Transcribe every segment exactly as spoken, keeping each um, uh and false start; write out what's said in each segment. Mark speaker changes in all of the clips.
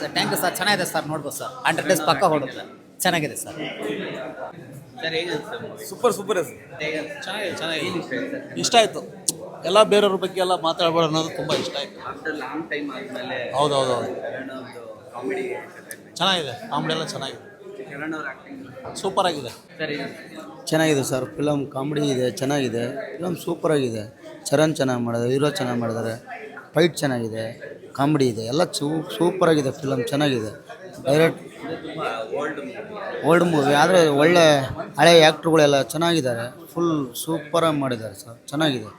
Speaker 1: Sir thank you sir ಚೆನ್ನಾಗಿದೆ sir ನೋಡ್ಬೋದು sir hundred days ಪಕ್ಕ ಹೊಡುತ್ತೆ ಚೆನ್ನಾಗಿದೆ ಸರ್
Speaker 2: ಸರ್ ಹೇಗೆ ಅನ್ಸುತ್ತೆ
Speaker 3: ಸೂಪರ್ ಸೂಪರ್
Speaker 2: ಹೇಗೆ ಅನ್ಸುತ್ತೆ?
Speaker 4: ಚೆನ್ನಾಗಿದೆ ಚೆನ್ನಾಗಿದೆ
Speaker 2: ಏನ್ ಇಷ್ಟ ಆಯ್ತು ಸರ್?
Speaker 4: ಇಷ್ಟ ಆಯಿತು ಎಲ್ಲ ಬೇರೆಯವ್ರ ಬಗ್ಗೆ ಎಲ್ಲ ಮಾತಾಡ್ಬಾರ್ದು ಅನ್ನೋದು ತುಂಬ ಇಷ್ಟ ಆಯಿತು
Speaker 2: ಆಫ್ಟರ್ ಲಾಂಗ್ ಟೈಮ್ ಆದ್ಮೇಲೆ
Speaker 4: ಹೌದು ಹೌದು ಹೌದು
Speaker 2: ಕರಣ್ ಅವ್ರದ್ದು ಕಾಮಿಡಿ
Speaker 4: ಚೆನ್ನಾಗಿದೆ ಕಾಮಿಡಿ ಎಲ್ಲ ಚೆನ್ನಾಗಿದೆ
Speaker 2: ಕರಣ್ ಅವ್ರ ಆಕ್ಟಿಂಗ್
Speaker 4: ಸೂಪರ್ ಆಗಿದೆ
Speaker 2: ಸರ್ ಹೇಗೆ ಅನ್ಸುತ್ತೆ?
Speaker 5: ಚೆನ್ನಾಗಿದೆ ಸರ್ ಫಿಲಮ್ ಕಾಮಿಡಿ ಇದೆ ಚೆನ್ನಾಗಿದೆ ಫಿಲಮ್ ಸೂಪರಾಗಿದೆ ಚರಣ್ ಚೆನ್ನಾಗಿ ಮಾಡಿದ್ದಾರೆ ಹೀರೋ ಚೆನ್ನಾಗಿ ಮಾಡಿದ್ದಾರೆ ಫೈಟ್ ಚೆನ್ನಾಗಿದೆ ಕಾಮಿಡಿ ಇದೆ ಎಲ್ಲ ಚೂ ಸೂಪರಾಗಿದೆ ಫಿಲಮ್ ಚೆನ್ನಾಗಿದೆ ಡೈರೆಕ್ಟ್
Speaker 2: ತುಂಬ ಓಲ್ಡ್
Speaker 5: ಓಲ್ಡ್ ಮೂವಿ ಆದರೆ ಒಳ್ಳೆ ಹಳೆ ಆ್ಯಕ್ಟ್ರುಗಳೆಲ್ಲ ಚೆನ್ನಾಗಿದ್ದಾರೆ ಫುಲ್ ಸೂಪರಾಗಿ ಮಾಡಿದ್ದಾರೆ ಸರ್ ಚೆನ್ನಾಗಿದೆ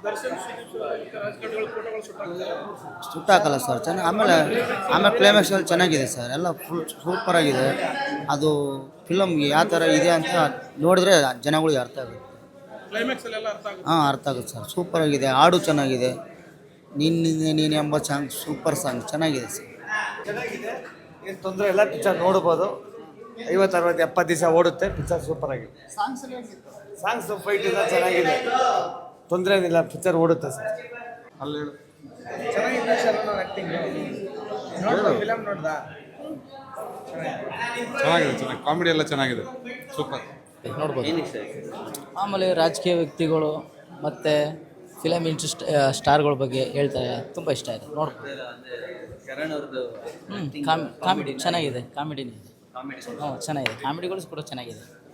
Speaker 5: ಸುಟ್ಟಾಕಲ್ಲ ಸರ್ ಚೆನ್ನಾಗಿ ಆಮೇಲೆ ಆಮೇಲೆ ಕ್ಲೈಮ್ಯಾಕ್ಸಲ್ಲಿ ಚೆನ್ನಾಗಿದೆ ಸರ್ ಎಲ್ಲ ಫುಲ್ ಸೂಪರಾಗಿದೆ ಅದು ಫಿಲಮ್ಗೆ ಯಾವ ಥರ ಇದೆ ಅಂತ ನೋಡಿದ್ರೆ ಜನಗಳಿಗೆ ಅರ್ಥ ಆಗುತ್ತೆ ಹಾಂ ಅರ್ಥ ಆಗುತ್ತೆ ಸರ್ ಸೂಪರಾಗಿದೆ ಹಾಡು ಚೆನ್ನಾಗಿದೆ ನೀನು ನೀನು ಎಂಬ ಸಾಂಗ್ ಸೂಪರ್ ಸಾಂಗ್ ಚೆನ್ನಾಗಿದೆ ಸರ್
Speaker 3: ಚೆನ್ನಾಗಿದೆ ಏನು ತೊಂದರೆ ಇಲ್ಲ ಪಿಕ್ಚರ್ ನೋಡ್ಬೋದು ಐವತ್ತು ಅರವತ್ತು ಎಪ್ಪತ್ತು ದಿವಸ ಓಡುತ್ತೆ ಪಿಕ್ಚರ್ ಸೂಪರ್ ಆಗಿದೆ ಸಾಂಗ್ಸ್ ಫೈಟ್ ಎಲ್ಲ ಚೆನ್ನಾಗಿದೆ ತೊಂದರೆ ಏನಿಲ್ಲ ಪಿಕ್ಚರ್ ಓಡುತ್ತೆ ಸರ್
Speaker 4: ಅಲ್ಲಿ
Speaker 3: ಚೆನ್ನಾಗಿದೆ ಶರಣ್ ಅವ್ರ ಆ್ಯಕ್ಟಿಂಗ್ ಫಿಲಮ್ ನೋಡ್ದಾ
Speaker 6: ಚೆನ್ನಾಗಿದೆ ಚೆನ್ನಾಗಿ ಕಾಮಿಡಿ ಎಲ್ಲ ಚೆನ್ನಾಗಿದೆ ಸೂಪರ್
Speaker 4: ನೋಡ್ಬೋದು
Speaker 2: ಏನು ಇಷ್ಟ ಆಯ್ತು?
Speaker 7: ಆಮೇಲೆ ರಾಜಕೀಯ ವ್ಯಕ್ತಿಗಳು ಮತ್ತು ಫಿಲಮ್ ಇಂಟ್ರೆಸ್ಟ್ ಸ್ಟಾರ್ಗಳ ಬಗ್ಗೆ ಹೇಳ್ತಾರೆ ತುಂಬ ಇಷ್ಟ ಆಯಿತು ನೋಡ್ಬೋದು
Speaker 2: ಸರ್ ಅಂದರೆ ಕರಣ್ ಅವ್ರದ್ದು
Speaker 7: ಹ್ಞೂ ಕಾಮ್ ಕಾಮಿಡಿ ಚೆನ್ನಾಗಿದೆ ಕಾಮಿಡಿನೇ ಇದೆ
Speaker 2: ಕಾಮಿಡಿ
Speaker 7: ಹ್ಞೂ ಚೆನ್ನಾಗಿದೆ ಕಾಮಿಡಿಗಳು ಕೂಡ ಚೆನ್ನಾಗಿದೆ